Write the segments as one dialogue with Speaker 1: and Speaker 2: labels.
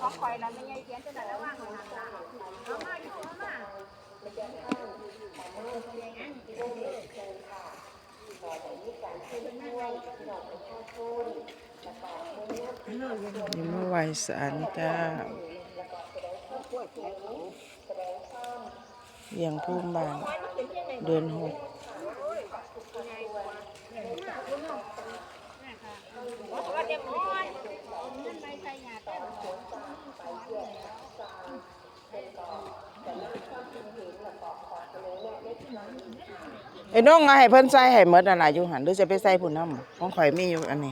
Speaker 1: ของคอยแล้วไม่ใช่เขียนจะได้ระวังเลยนะเอามาอยู่เอามา
Speaker 2: นี่มาไหว้ศาลเจ้าเลี้ยงภูมิบ้านเดือนหกไอ้น้องเอาให้เพิ่นใส่ให้หมดอะไรอยู่หันหรือจะไปใส่ผู้นำของข่อยมีอยู่อันนี้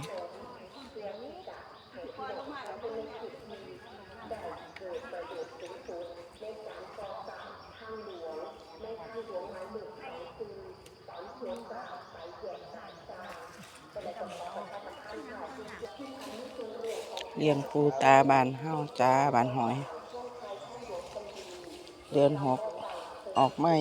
Speaker 2: เลี้ยงปูตาบานเฮาจ้าบานหอยเดือนหกออกไหม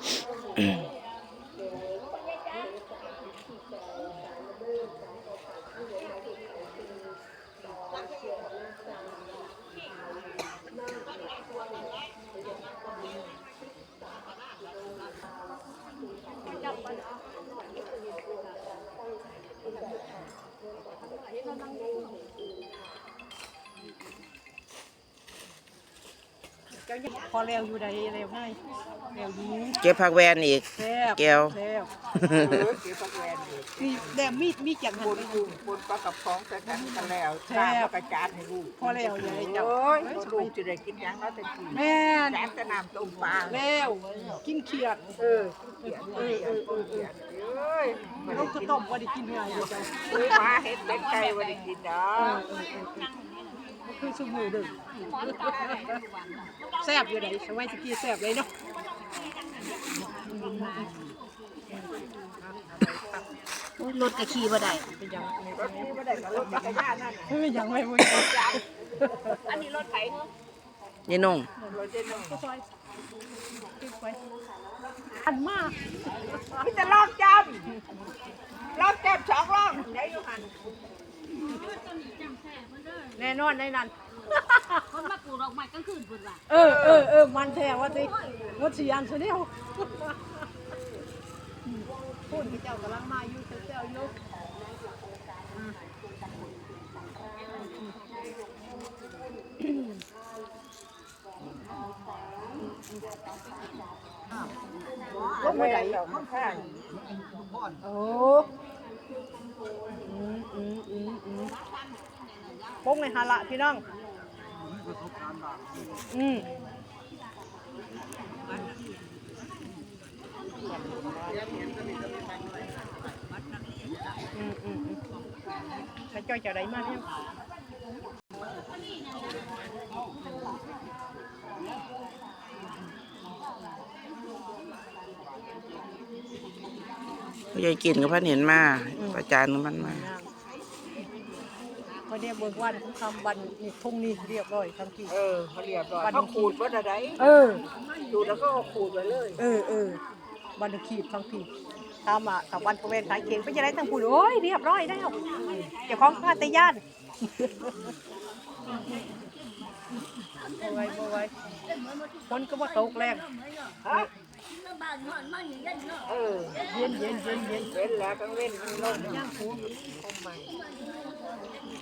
Speaker 1: พอเร็วอยู่ใดเร็วง่ายเร็วยิง
Speaker 2: เก็บผักแวนอีกแก้ว
Speaker 1: เก็บผักแวนมีแดมมีจังหันอยู่บนปลากระป๋องแต่กันแล้วแซ่บกระจานให้ลูกพอแล้วยายจับลูกจะได้กินยังแล้วแต่กินแม่แซ่บแต่น้ำต้มปลาแล้วกินเขียดลูกจะต้มว่าได้กินไงมาเห็ดเล็กไก่ว่าได้กินเนาะคือสมุนเด้อแซ่บอยู่ไหนสมัยตะกี้แซ่บเลยเนาะรถกระขี่บ่ได้เป็นยังรถขี่บ่ได้กับรถจักรยานนั่นเป็นยังไม่บ่ได้อันนี้รถไถเนาะ
Speaker 2: ยี่นุ่ง
Speaker 1: รถเจนุ่งอันมากมีแต่รอบจำ2รอบได้อยู่หั่นแน่นอนในนั้น
Speaker 3: คนมาปลูกดอกไม้กลางคืนพุ่นว่ะ
Speaker 1: มันแท้ว่าสิวัดสิอันซะเดียวพูดที่เจ้ากำลังมาอยู่เจ้าอยู่ลงไปไหนโอ้พงในฮาละพี่น้องจะจ่อยจะได้มาเนี่ย
Speaker 2: ผู้ใหญ่กินกับพันเห็นมาประจานกับมันมา
Speaker 1: เขาเรียกเบิกวันคำบันนี่ทุ่งนี่เรียบร้อยทั้งที่
Speaker 4: เขาเรียบร้อยเขาขูดว่าอะไรดูแล้วก็ขูดไปเลย
Speaker 1: บันขีดทั้งที่ตามอ่ะกับวันประเวณสายเข่งไปจะได้ทั้งผู้โอ้ยเรียบร้อยแล้วเจ้าของข้าตย่านบ่ไว้คนก็ว่าตกแรง
Speaker 4: เย็นแล้วก็เว้นลมย่างฟูคงใหม่